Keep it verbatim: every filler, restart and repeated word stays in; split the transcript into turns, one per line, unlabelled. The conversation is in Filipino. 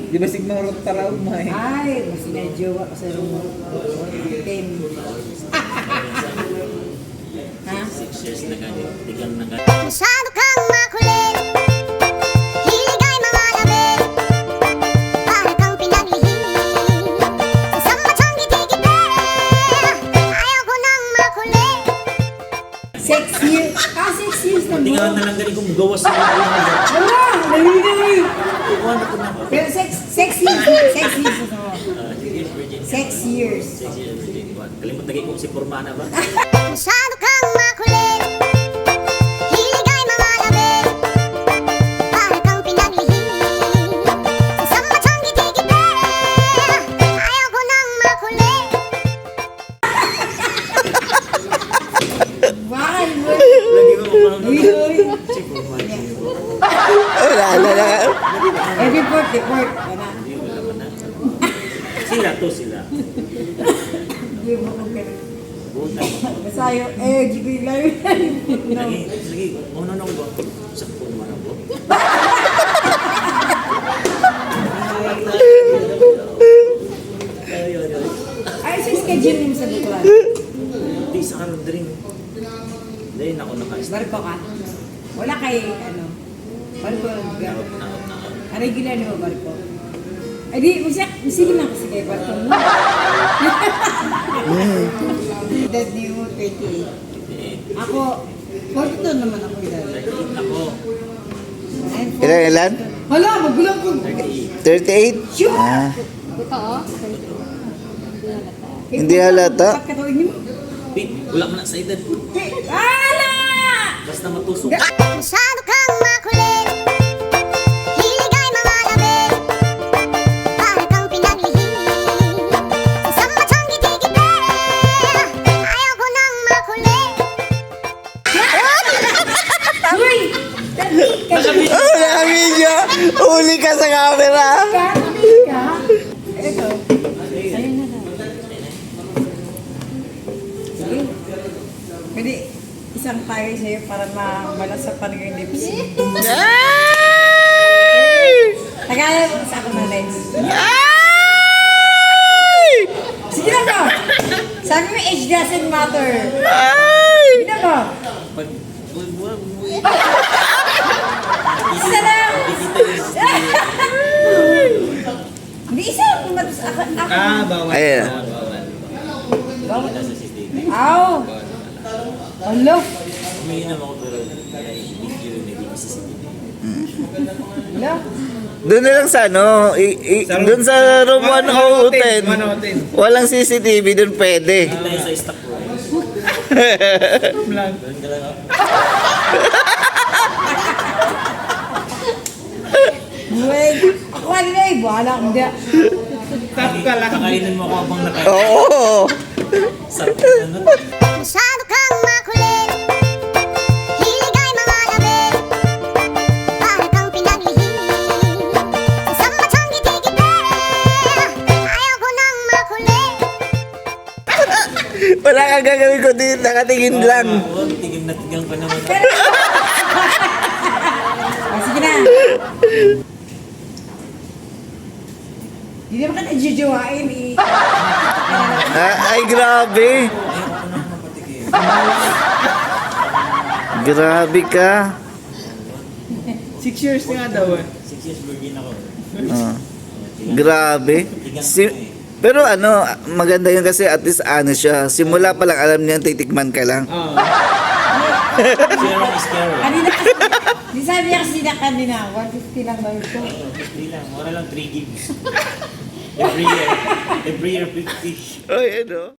Di ba signor taraw mo eh?
Ay, mas medyo kasi rumor. Ten. Ha?
Six years na ganyan. Tigang na ganyan.
Masyado kang makulit. Hilig ay mga labi. Para kang pinaglihim. Isang matang gitigite. Ayaw ko nang makulit.
Six years. Ah, six years na
Tigang
mo.
na lang ganyan kung gawas sa mga mga.
Wala! Naliligay!
Kukuha na ko na ba?
Pero six, six years. Six years na mo.
Ah, six years virgin.
Six years.
Six years virgin. Kalimut lagi kung si Formana ba?
Masyado kang makulit. Hilig ay mga labi. Para kang pinaglihim. Isang matang gitigite. Ayaw ko nang makulit.
Bakal mo.
Lagi ko kumang
Uy, uy.
si Formana.
Wala, wala.
Every port, the port. Wala.
Hindi mo naman na. Sila to sila.
Hindi mo kong ganun.
Buta.
Masayo, eh, gigil lang.
Lagi, lagi. Ano na ko ba? Sa Formana po. Ayun, ayun.
Ay, sa schedule mo sa Butuan.
Di sa karon drink. Dahil ako naka-start.
Barko ka? Wala kay, ano, barko.
Out na, out na, out.
Ah, regular mo barko. Ay, di, masya, sige lang kasi kay barko mo. Edad niyo, twenty-eight.
Eh,
Ako, forty-two naman ako edad.
thirty-eight ako.
I'm
Ilan, ilan?
Hala, magulang ko.
thirty-eight.
thirty-eight?
Sure.
Ah. Hindi
Eh,
halata.
Ba't katuwing niyo?
Pete, wala mo na sa edad.
Eh, ala!
Basta matusok.
Masyado kang makulit. Hilig ay mga labi. Para kang pinaglihim. Isang matang gitigite. Ayaw ko nang makulit.
Uy! Kasi
Oh, naka-video! Uli ka sa camera!
ka? Ka? Ito. Ayun na lang. Sige. Pwede isang tayo sa'yo para mamalas sa paningin lips. Tagalan mo sa ako na lens. Sige na ba? Sabi mo, age doesn't matter. Sige na ba?
Pag, buwan, buwan, buwan.
Isa lang!
Dikita yung
Hindi isa lang kumatos. Ako, ako.
Ah, bawal.
Ayan.
Bawal, bawal.
Bawal.
Kita sa C C T V.
Aw! Alo!
Umiinom ako pero ay video na hindi sa C C T V.
Alo!
Doon na lang sa ano, i, i, doon sa room one oh ten. Walang C C T V, doon pwede.
Tayo sa stock room. Doon ka lang ako.
Buwag! Ako kanina eh, bahala akong di.
Tap ka lang. Kakainin mo ako habang nakain.
Oo!
Sarap na ano.
Masyado kang makulit. Hilig ay mga labi. Para kang pinaglihim. Isang matang gitigite. Ayaw ko nang makulit.
Wala kang gagawin ko dito, nakatingin lang.
Oo, tigil na tigil pa naman.
Ah, sige na. Hindi naman ka nagjujuwain eh.
Ah, ay, grabe. Grabe ka.
Six years nga daw eh.
Six years virgin ako.
Ah, grabe. Si, pero ano, maganda yun kasi at least ano siya. Simula pa lang alam niya titikman ka lang.
Oo.
Sharing is caring.
Kanina kasi, di sabi niya kasi na kanina, one fifty lang daw ito.
Hindi lang, wala lang three gigs. Every year. Every year fifty.
Oy, ano?